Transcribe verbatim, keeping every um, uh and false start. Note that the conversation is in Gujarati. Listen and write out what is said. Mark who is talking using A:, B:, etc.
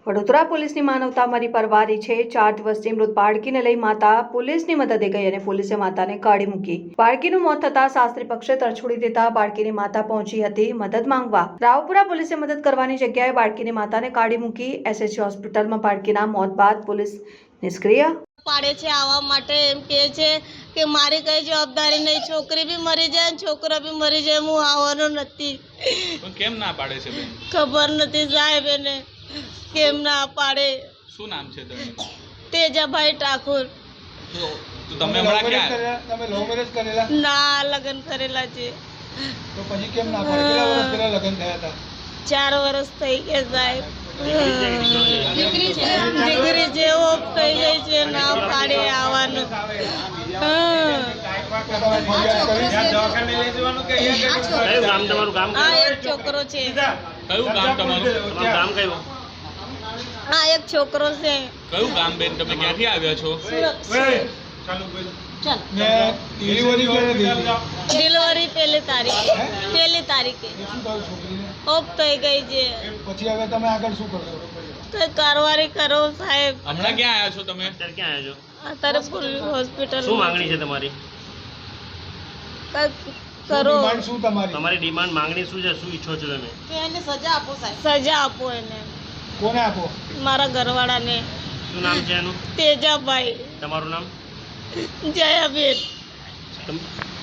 A: વડોદરા પોલીસની માનવતા મરી પરવારી છે। ચાર દિવસની મૃત બાળકીને લઈ માતા પોલીસની મદદે ગઈ અને પોલીસે માતાને કાઢી મૂકી। બાળકીનું મોત થતા શાસ્ત્રી પક્ષે તરછોડી દેતા બાળકીની માતા પહોંચી હતી મદદ માંગવા। રાવપુરા પોલીસે મદદ કરવાની જગ્યાએ બાળકીની માતાને કાઢી મૂકી। એસએસજી હોસ્પિટલમાં બાળકીના મોત બાદ પોલીસ નિષ્ક્રિય
B: પાડે છે આવવા માટે એમ કહે છે કે મારી કઈ જવાબદારી નહીં, છોકરી બી મરી જાય ને છોકરો બી મરી જાય, હું આવવાનો નથી।
C: પણ કેમ ના પાડે છે બેન?
B: ખબર નથી સાહેબ એને કેમ ના પાડે।
C: શું નામ છે તમારું?
B: તેજાભાઈ ઠાકોર।
C: તો તો તમે હમણાં ક્યાં?
D: તમે લવ મેરેજ કરેલા?
B: ના, લગ્ન કરેલા છે।
D: તો પછી કેમ ના પાડે? કેટલા વર્ષ પહેલા લગ્ન થયા હતા?
B: ચાર વર્ષ થઈ ગયા સાહેબ। દીકરી છે ઓફ થઈ ગઈ છે, ના પાડે આવવાનું। હા, એક છોકરો છે।
C: કયું ગામ તમારું? ગામ કયું?
B: હા, એક છોકરો છે।
C: કયું ગામ બેન? તમે ક્યાંથી આવ્યા છો?
D: ડિલિવરી ક્યારે થઈ હતી?
B: ડિલિવરી પહેલી તારીખે પહેલી તારીખે
D: શું થયું છોકરીને?
B: ઓફ થઈ ગઈ છે।
D: પછી હવે તમે આગળ શું કરશો?
B: કઈ કારવારી કરો સાહેબ।
C: હમણાં ક્યાં આવ્યા છો તમે?
E: અત્યારે ક્યાં આવ્યા છો?
B: અત્યારે પોલીસ હોસ્પિટલ
E: શું માંગણી છે તમારી?
B: કઈ
D: શું
B: કરો,
D: ડિમાન્ડ શું તમારી?
E: તમારી ડિમાન્ડ માંગણી શું છે? શું ઈચ્છો છો તમે?
B: એને સજા આપો સાહેબ। સજા આપો એને,
D: કોને આપો?
B: મારા ઘરવાળાને।
E: શું નામ છે એનું?
B: તેજાભાઈ।
E: તમારું નામ?
B: જયાબેન।
E: તમ-